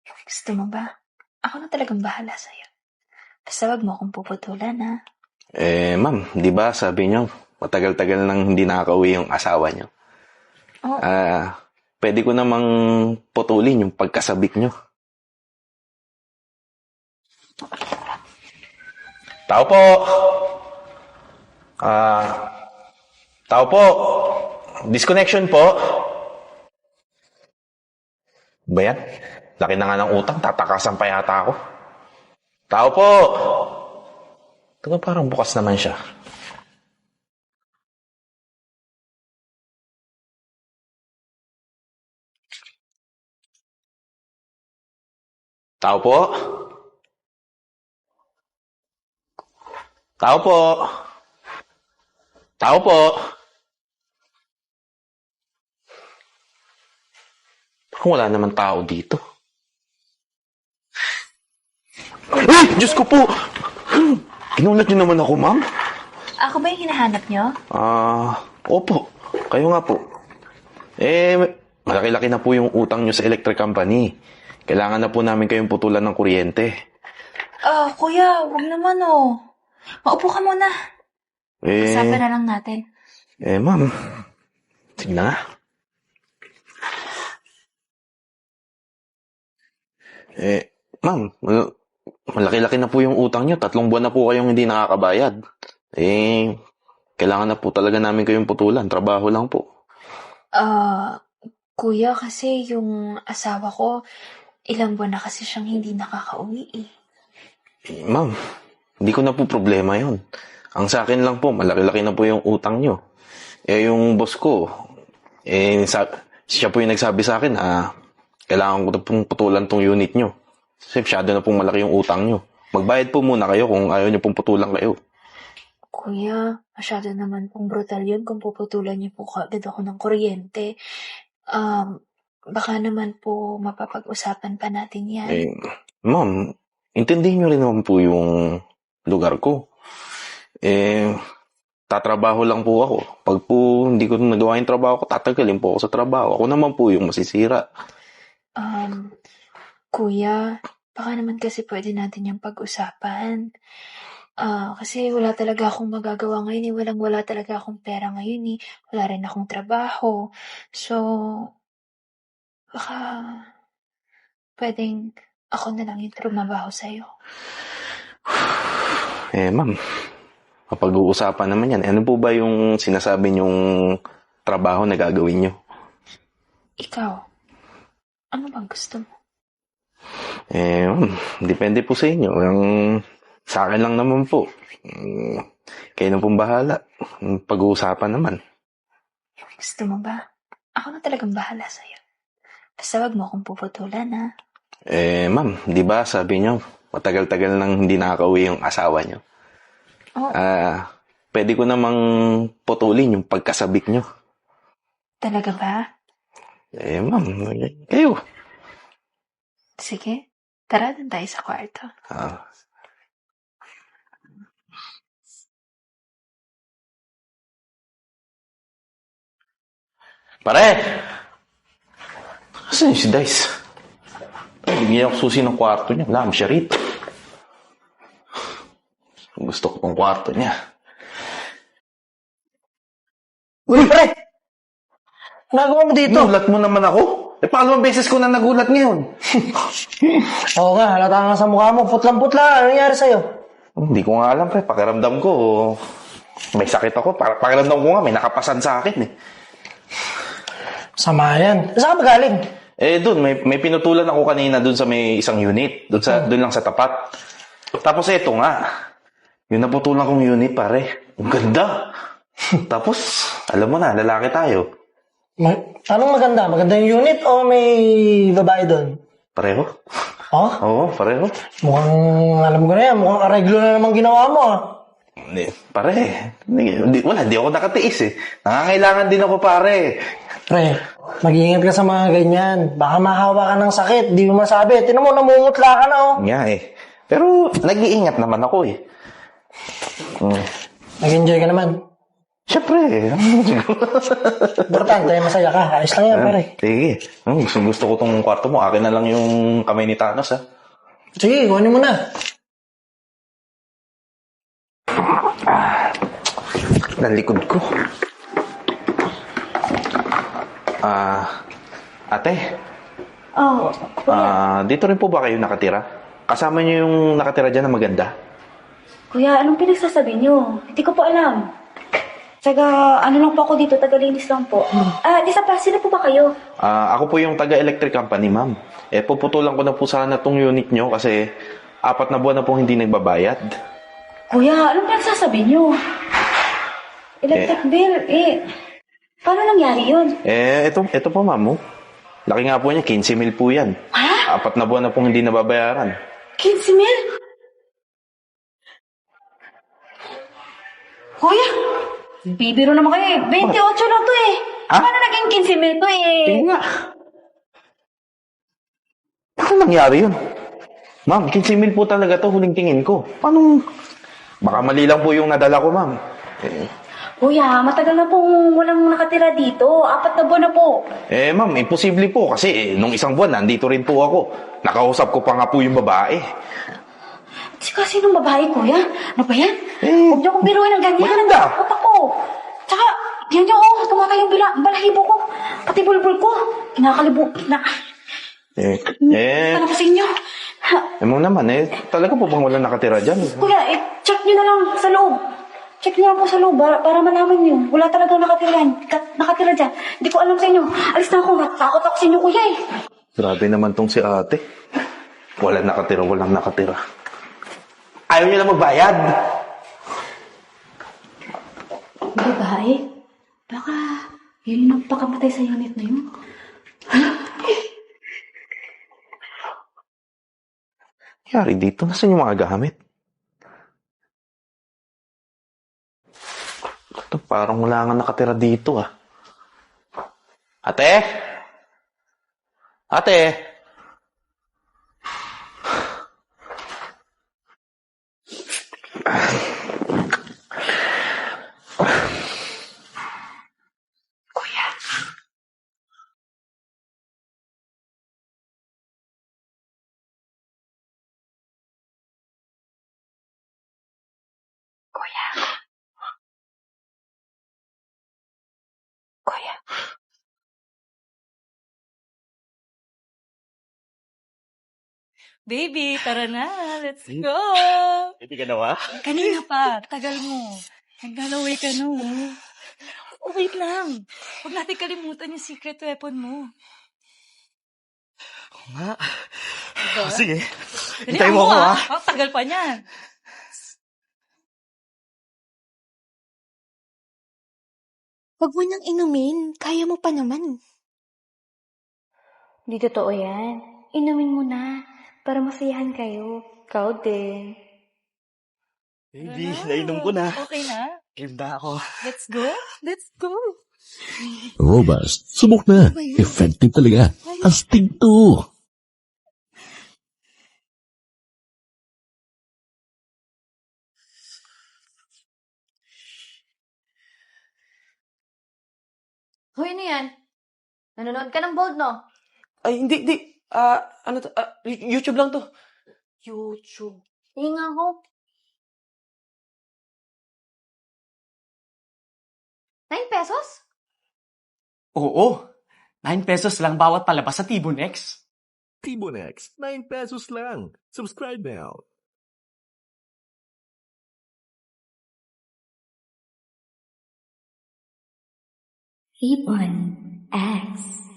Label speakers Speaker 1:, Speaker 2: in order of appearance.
Speaker 1: Gusto mo ba? Ako na talagang bahala sa'yo. Basta wag mo akong puputulan, ha?
Speaker 2: Ma'am, di ba sabi niyo, matagal-tagal nang hindi nakakauwi yung asawa niyo?
Speaker 1: Oh,
Speaker 2: Pwede ko namang putulin yung pagkasabik niyo. Tao po! Tao po! Disconnection po! Ba yan? Laki na nga ng utang, tatakasan pa yata ako. Tao po! Ito parang bukas naman siya. Tao po? Tao po? Tao po? Parang wala naman tao dito. Ay! Diyos ko po! Ginulat niyo naman ako, ma'am?
Speaker 1: ako ba yung hinahanap nyo?
Speaker 2: Opo. Kayo nga po. Malaki-laki na po yung utang niyo sa electric company. Kailangan na po namin kayong putulan ng kuryente.
Speaker 1: Kuya, wag naman, oh. Maupo ka muna. Usapan na lang natin.
Speaker 2: Ma'am. Sige na nga. Ma'am, malaki-laki na po yung utang niyo. 3 buwan na po kayong hindi nakakabayad. Kailangan na po talaga namin kayong putulan. Trabaho lang po.
Speaker 1: Kuya, kasi yung asawa ko, ilang buwan na kasi siyang hindi nakakauwi, eh.
Speaker 2: Ma'am, hindi ko na po problema yon. Ang sa akin lang po, malaki-laki na po yung utang niyo. Yung boss ko, siya po yung nagsabi sa akin, kailangan ko na pong putulan tong unit niyo. Kasi masyado na pong malaki yung utang niyo. Magbayad po muna kayo kung ayaw niyo pong putulan kayo.
Speaker 1: Kuya, masyado naman pong brutal yun kung puputulan niyo po kaagad ako ng kuryente. Baka naman po mapapag-usapan pa natin yan.
Speaker 2: Ma'am, intindihin niyo rin naman po yung lugar ko. Tatrabaho lang po ako. Pag po hindi ko nagawa yung trabaho ko, tatagalin po ako sa trabaho. Ako naman po yung masisira.
Speaker 1: Kuya, baka naman kasi pwede natin yung pag-usapan. Kasi wala talaga akong magagawa ngayon, eh. Walang-wala talaga akong pera ngayon, eh. Wala rin akong trabaho. So, baka pwedeng ako na lang yung trumabaho sa'yo.
Speaker 2: Ma'am, mapag-uusapan naman yan. Ano po ba yung sinasabi niyong trabaho na gagawin niyo?
Speaker 1: Ikaw, ano bang gusto mo?
Speaker 2: Ma'am, depende po sa inyo. Sa akin lang naman po. Kayo na pong bahala. Pag-uusapan naman.
Speaker 1: Gusto mo ba? Ako na talagang bahala sa'yo. Basta wag mo akong puputulan, ha?
Speaker 2: Ma'am, di ba sabi niyo, matagal-tagal nang hindi nakakauwi yung asawa niyo?
Speaker 1: Oh,
Speaker 2: Pwede ko namang putulin yung pagkasabik niyo.
Speaker 1: talaga ba?
Speaker 2: Ma'am, kayo.
Speaker 1: Sige, tara dun tayo sa kwarto.
Speaker 2: Pare! Asan yung si Dice? Bigyan ako susi ng kwarto niya. Wala siya rito. Gusto ko pang kwarto niya.
Speaker 3: Uy, pre! Nagawa mo dito?
Speaker 2: Nagulat mo naman ako? Pangalawang beses ko na nagulat ngayon.
Speaker 3: Oo nga, halata nga sa mukha mo. Putlang-putla. Ano nangyari sa'yo?
Speaker 2: Hindi ko nga alam, pre. Pakiramdam ko, may sakit ako. Pakiramdam ko nga, may nakapasan sa akin, eh.
Speaker 3: Sama yan. Saan ka ba galing?
Speaker 2: Doon, may pinutulan ako kanina doon sa may isang unit. Doon lang sa tapat. Tapos eto nga. Yung naputulan kong unit, pare. Ang ganda. Tapos, alam mo na, lalaki tayo.
Speaker 3: Anong maganda? Maganda yung unit o may babae doon?
Speaker 2: Pareho?
Speaker 3: Oh?
Speaker 2: Oo, pareho.
Speaker 3: Mukhang, alam ko na yan, mukhang areglo na naman ginawa mo, ah.
Speaker 2: Pare, di ako nakatiis, eh. Nangangailangan din ako, pare.
Speaker 3: Pre, mag-iingat ka sa mga ganyan. Baka mahawa ka ng sakit, di mo masabi. Tinan mo, namumutla ka na, oh.
Speaker 2: Nga, eh. Pero, nag-iingat naman ako, eh.
Speaker 3: Nag-enjoy ka naman.
Speaker 2: Siyempre.
Speaker 3: Importante, masaya ka. Ayos lang yan, pare.
Speaker 2: Sige. Gusto ko tong kwarto mo. Akin na lang yung kamay ni Thanos, ha?
Speaker 3: Sige, kunin mo na.
Speaker 2: Nalikod ko. Ate,
Speaker 4: Oh,
Speaker 2: dito rin po ba kayo nakatira? Kasama niyo yung nakatira dyan na maganda?
Speaker 4: kuya, anong pinagsasabi niyo? Hindi ko po alam. Ano lang po ako dito, tagalinis lang po. Di sa sino po ba kayo?
Speaker 2: Ako po yung taga-electric company, ma'am. Puputulan ko na po sana tong unit nyo kasi 4 na buwan na po hindi nagbabayad.
Speaker 4: Kuya, anong pinagsasabi niyo? Electric bill, paano nangyari yun?
Speaker 2: Ito po, ma'am. Laki nga po niya, 15,000 po yan.
Speaker 4: Ha?
Speaker 2: 4 na buwan na pong hindi nababayaran.
Speaker 4: 15,000? Kuya, bibiro naman kayo 28 lang to
Speaker 2: Ha?
Speaker 4: Paano naging 15,000 to
Speaker 2: Tingnan nga. Paano nangyari yun? Ma'am, 15,000 po talaga to, huling tingin ko. Paano? Baka mali lang po yung nadala ko, ma'am.
Speaker 4: Kuya, matagal na pong walang nakatira dito. 4 na buwan na po.
Speaker 2: Ma'am, imposible po kasi nung isang buwan, nandito rin po ako. Nakausap ko pa nga po yung babae.
Speaker 4: Tsaka sinong babae, kuya? Ano ba yan? Huwag niyo akong biruin ng ganyan.
Speaker 2: maganda.
Speaker 4: Ang takot ako. Tsaka, yan niyo, tumatay yung balahibo ko. Pati bulbul ko. Kinakalibo. Ano ko sa inyo?
Speaker 2: Ma'am naman, talaga po bang wala nakatira dyan?
Speaker 4: Kuya, check niyo na lang sa loob. Check niyo lang po sa loob para malaman niyo. Wala talagang nakatira dyan. Hindi ko alam sa inyo. Alis na ako. Natakot ako sa inyo, kuya
Speaker 2: Grabe naman tong si ate. Walang nakatira. Ayaw niyo na magbayad.
Speaker 4: Babae? Baka yun yung nagpakamatay sa unit na yun.
Speaker 2: Yari dito, nasan yung mga gamit? Ito, parang wala nga nakatira dito, ah. Ate? Ate?
Speaker 4: Kuya. Kuya. Kuya.
Speaker 5: Baby, tara na. Let's go.
Speaker 2: Hindi ka nawa?
Speaker 5: Kanina pa. Tagal mo. Naglalaway ka no. Oh, wait lang. Huwag natin kalimutan yung secret weapon mo.
Speaker 6: nga.
Speaker 5: Diba?
Speaker 6: Sige.
Speaker 5: Dali
Speaker 6: Hintayin mo ako, ha?
Speaker 5: Oh, tagal pa niyan.
Speaker 7: Huwag mo nang inumin. Kaya mo pa naman.
Speaker 4: Di totoo yan. Inumin mo na para masayahan kayo. Ikaw din.
Speaker 6: Baby,
Speaker 5: Tara
Speaker 6: nainom ko na.
Speaker 5: Okay na?
Speaker 6: Game na ako.
Speaker 5: Let's go. Let's go.
Speaker 8: Robust. Subok na. Effective talaga. Astig to.
Speaker 7: Hoy, ano yan? Nanonood ka ng Bold, no?
Speaker 9: Ay, hindi. Ano to? YouTube lang to. YouTube.
Speaker 7: Tingin nga ako. 9 pesos?
Speaker 9: Oo. 9 pesos lang bawat palabas sa Tibonex.
Speaker 8: Tibonex. 9 pesos lang. Subscribe now.
Speaker 4: Ribbon X.